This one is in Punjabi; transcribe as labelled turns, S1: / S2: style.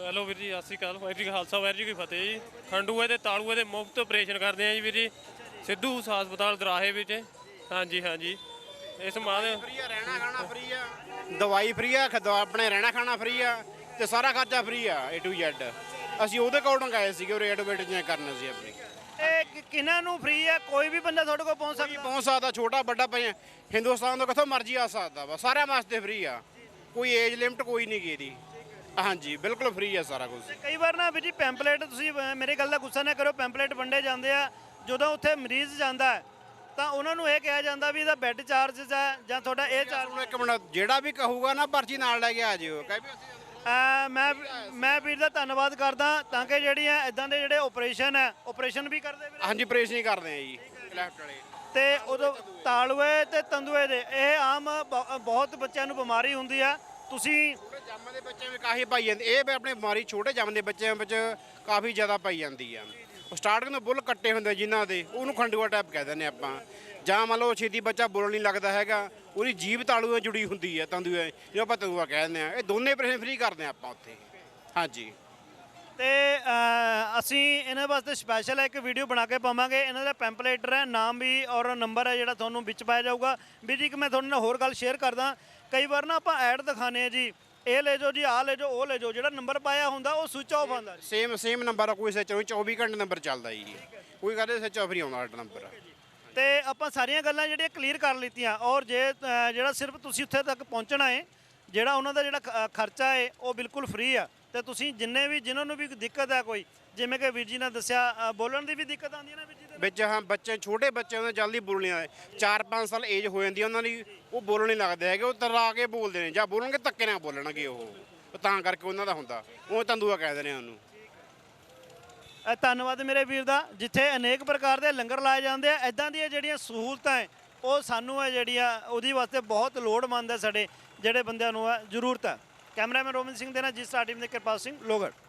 S1: ਹੈਲੋ ਵੀਰ ਜੀ, ਸਤਿ ਸ਼੍ਰੀ ਅਕਾਲ। ਵਾਹਿਗੁਰੂ ਜੀ ਕਾ ਖਾਲਸਾ, ਵਾਹਿਗੁਰੂ ਜੀ ਕੀ ਫਤਿਹ ਜੀ। ਖੰਡੂਏ ਤੇ ਤਾਲੂਏ ਦੇ ਮੁਫਤ ਆਪਰੇਸ਼ਨ ਕਰਦੇ ਆ ਜੀ ਵੀਰ ਜੀ, ਸਿੱਧੂ ਹਸਪਤਾਲ ਦਰਾਹੇ ਵਿੱਚ। ਹਾਂਜੀ ਹਾਂਜੀ, ਇਸ ਮਾਦ
S2: ਫ੍ਰੀ ਆ, ਰਹਿਣਾ ਖਾਣਾ ਫ੍ਰੀ ਆ, ਦਵਾਈ ਫ੍ਰੀ ਆ, ਆਪਣੇ ਰਹਿਣਾ ਖਾਣਾ ਫ੍ਰੀ ਆ ਤੇ ਸਾਰਾ ਖਰਚਾ ਫ੍ਰੀ ਆ A to Z। ਅਸੀਂ ਉਹਦੇ ਅਕੋਰਡਿੰਗ ਆਏ ਸੀਗੇ ਉਹ ਐਡਵਰਟਾਈਜ਼ਮੈਂਟ ਕਰਨ ਸੀ ਆਪਣੀ।
S3: ਇਹ ਕਿਹਨਾਂ ਨੂੰ ਫ੍ਰੀ ਹੈ? ਕੋਈ ਵੀ ਬੰਦਾ ਤੁਹਾਡੇ ਕੋਲ ਪਹੁੰਚ ਸਕਦਾ?
S2: ਪਹੁੰਚ ਸਕਦਾ, ਛੋਟਾ ਵੱਡਾ ਭਾਵੇਂ ਹਿੰਦੁਸਤਾਨ ਤੋਂ ਕਿੱਥੋਂ ਮਰਜ਼ੀ ਆ ਸਕਦਾ ਵਾ, ਸਾਰਿਆਂ ਵਾਸਤੇ ਫ੍ਰੀ ਆ, ਕੋਈ ਏਜ ਲਿਮਟ ਕੋਈ ਨਹੀਂ ਗੀ ਇਹਦੀ। ਹਾਂਜੀ ਬਿਲਕੁਲ ਫ੍ਰੀ ਆ ਸਾਰਾ ਕੁਝ।
S3: ਕਈ ਵਾਰ ਨਾ ਵੀ ਜੀ ਪੈਂਪਲੇਟ, ਤੁਸੀਂ ਮੇਰੇ ਗੱਲ ਦਾ ਗੁੱਸਾ ਨਾ ਕਰੋ, ਪੈਂਪਲੇਟ ਵੰਡੇ ਜਾਂਦੇ ਆ, ਜਦੋਂ ਉੱਥੇ ਮਰੀਜ਼ ਜਾਂਦਾ ਹੈ ਤਾਂ ਉਹਨਾਂ ਨੂੰ ਇਹ ਕਿਹਾ ਜਾਂਦਾ ਵੀ ਇਹਦਾ ਬੈੱਡ ਚਾਰਜਸ ਹੈ ਜਾਂ ਤੁਹਾਡਾ ਇਹ ਚਾਰਜ।
S2: ਇੱਕ ਮਿੰਟ, ਜਿਹੜਾ ਵੀ ਕਹੂਗਾ ਨਾ ਪਰਚੀ ਨਾਲ ਲੈ ਕੇ ਆ ਜਿਓ।
S3: ਮੈਂ ਵੀਰ ਦਾ ਧੰਨਵਾਦ ਕਰਦਾ ਤਾਂ ਕਿ ਜਿਹੜੀਆਂ ਇਦਾਂ ਦੇ ਜਿਹੜੇ ਆਪਰੇਸ਼ਨ ਵੀ ਕਰਦੇ ਵੀਰ।
S2: ਹਾਂਜੀ ਆਪਰੇਸ਼ਨ ਹੀ ਕਰਦੇ ਆ ਜੀ ਲੈਫਟ ਵਾਲੇ।
S3: ਤੇ ਉਦੋਂ ਤਾਲੂਏ ਤੇ ਤੰਦੂਏ ਦੇ ਇਹ ਆਮ ਬਹੁਤ ਬੱਚਿਆਂ ਨੂੰ ਬਿਮਾਰੀ ਹੁੰਦੀ ਆ। ਤੁਸੀਂ
S2: ਛੋਟੇ ਜੰਮ ਦੇ ਬੱਚਿਆਂ ਵਿੱਚ ਕਾਫੀ ਪਾਈ ਜਾਂਦੀ, ਇਹ ਆਪਣੇ ਬਿਮਾਰੀ ਛੋਟੇ ਜੰਮ ਦੇ ਬੱਚਿਆਂ ਵਿੱਚ ਕਾਫੀ ਜ਼ਿਆਦਾ ਪਾਈ ਜਾਂਦੀ ਆ। ਸਟਾਰਟਿੰਗ ਤੋਂ ਬੁੱਲ ਕੱਟੇ ਹੁੰਦੇ ਜਿਨ੍ਹਾਂ ਦੇ, ਉਹਨੂੰ ਖੰਡੂਆ ਟਾਈਪ ਕਹਿ ਦਿੰਦੇ ਆਪਾਂ। ਜਾਂ ਮੰਨ ਲਓ ਛੇਤੀ ਬੱਚਾ ਬੋਲਣ ਨਹੀਂ ਲੱਗਦਾ ਹੈਗਾ, ਉਹਦੀ ਜੀਭ ਤਾਲੂ ਨਾਲ ਜੁੜੀ ਹੁੰਦੀ ਹੈ, ਤੰਦੂਏ ਜੋ ਆਪਾਂ ਤੰਦੂਆ ਕਹਿ ਦਿੰਦੇ ਆ। ਇਹ ਦੋਨੇ ਆਪਰੇਸ਼ਨ ਫ੍ਰੀ ਕਰਦੇ ਆ ਆਪਾਂ ਉੱਥੇ। ਹਾਂਜੀ,
S3: ਤੇ ਅਸੀਂ ਇਹਨਾਂ ਵਾਸਤੇ ਸਪੈਸ਼ਲ ਇੱਕ ਵੀਡੀਓ ਬਣਾ ਕੇ ਪਾਵਾਂਗੇ। ਇਹਨਾਂ ਦਾ ਪੈਂਪਲੇਟਰ ਹੈ, ਨਾਮ ਵੀ ਔਰ ਨੰਬਰ ਹੈ ਜਿਹੜਾ ਤੁਹਾਨੂੰ ਵਿੱਚ ਪਾਇਆ ਜਾਊਗਾ। ਵੀ ਜੀ ਇੱਕ ਮੈਂ ਤੁਹਾਡੇ ਨਾਲ ਹੋਰ ਗੱਲ ਸ਼ੇਅਰ ਕਰਦਾ, ਕਈ ਵਾਰ ਨਾ ਆਪਾਂ ਐਡ ਦਿਖਾਉਂਦੇ ਆ ਜੀ, ਇਹ ਲੈ ਜਾਓ ਜੀ, ਆਹ ਲੈ ਜਾਓ, ਉਹ ਲੈ ਜਾਓ, ਜਿਹੜਾ ਨੰਬਰ ਪਾਇਆ ਹੁੰਦਾ ਉਹ ਸੁਚ ਆਫ ਆਉਂਦਾ।
S2: ਸੇਮ ਨੰਬਰ ਆ, ਕੋਈ ਸੱਚ ਨਹੀਂ, 24 ਘੰਟੇ ਨੰਬਰ ਚੱਲਦਾ ਜੀ, ਕੋਈ ਕਹਦੇ ਸੱਚ ਆਫ ਨਹੀਂ ਆਉਂਦਾ ਸਾਡਾ ਨੰਬਰ।
S3: ਤੇ ਆਪਾਂ ਸਾਰੀਆਂ ਗੱਲਾਂ ਜਿਹੜੀਆਂ ਕਲੀਅਰ ਕਰ ਲਿੱਤੀਆਂ। ਔਰ ਜੇ ਜਿਹੜਾ ਸਿਰਫ ਤੁਸੀਂ ਉੱਥੇ ਤੱਕ ਪਹੁੰਚਣਾ ਹੈ, ਜਿਹੜਾ ਉਹਨਾਂ ਦਾ ਜਿਹੜਾ ਖਰਚਾ ਹੈ ਉਹ ਬਿਲਕੁਲ ਫ੍ਰੀ ਆ। ਤੇ ਤੁਸੀਂ ਜਿਨ੍ਹਾਂ ਨੂੰ ਵੀ ਦਿੱਕਤ ਹੈ, ਕੋਈ ਜਿਵੇਂ ਕਿ ਵੀਰ ਜੀ ਨੇ ਦੱਸਿਆ ਬੋਲਣ ਦੀ ਵੀ ਦਿੱਕਤ ਆਉਂਦੀ ਹੈ ਨਾ ਵੀਰ ਜੀ
S2: ਵਿੱਚ। ਹਾਂ, ਬੱਚੇ ਛੋਟੇ ਬੱਚਿਆਂ ਨੂੰ ਜਲਦੀ ਬੋਲਣੀ ਆਏ, 4-5 ਸਾਲ ਏਜ ਹੋ ਜਾਂਦੀ ਉਹਨਾਂ ਦੀ, ਉਹ ਬੋਲਣ ਨਹੀਂ ਲੱਗਦੇ ਹੈਗੇ, ਉਹ ਤਰਾ ਕੇ ਬੋਲਦੇ ਨੇ, ਜਾਂ ਬੋਲਣਗੇ ਧੱਕੇ ਨਾਲ ਬੋਲਣਗੇ ਉਹ ਤਾਂ ਕਰਕੇ ਉਹਨਾਂ ਦਾ ਹੁੰਦਾ, ਉਹ ਤੰਦੂਆ ਕਹਿੰਦੇ ਨੇ ਉਹਨੂੰ।
S3: ਧੰਨਵਾਦ ਮੇਰੇ ਵੀਰ ਦਾ। ਜਿੱਥੇ ਅਨੇਕ ਪ੍ਰਕਾਰ ਦੇ ਲੰਗਰ ਲਾਏ ਜਾਂਦੇ ਆ, ਇੱਦਾਂ ਦੀਆਂ ਜਿਹੜੀਆਂ ਸਹੂਲਤਾਂ ਹੈ ਉਹ ਸਾਨੂੰ ਹੈ ਜਿਹੜੀਆਂ ਉਹਦੀ ਵਾਸਤੇ ਬਹੁਤ ਲੋੜਵੰਦ ਹੈ, ਸਾਡੇ ਜਿਹੜੇ ਬੰਦਿਆਂ ਨੂੰ ਜ਼ਰੂਰਤ ਹੈ। ਕੈਮਰਾਮੈਨ ਰੋਮਨ ਸਿੰਘ ਦੇ ਨਾਲ ਜੀ ਸਟਾਰ ਟੀਮ ਦੇ ਕਿਰਪਾਲ ਸਿੰਘ ਲੋਹਗੜ੍ਹ।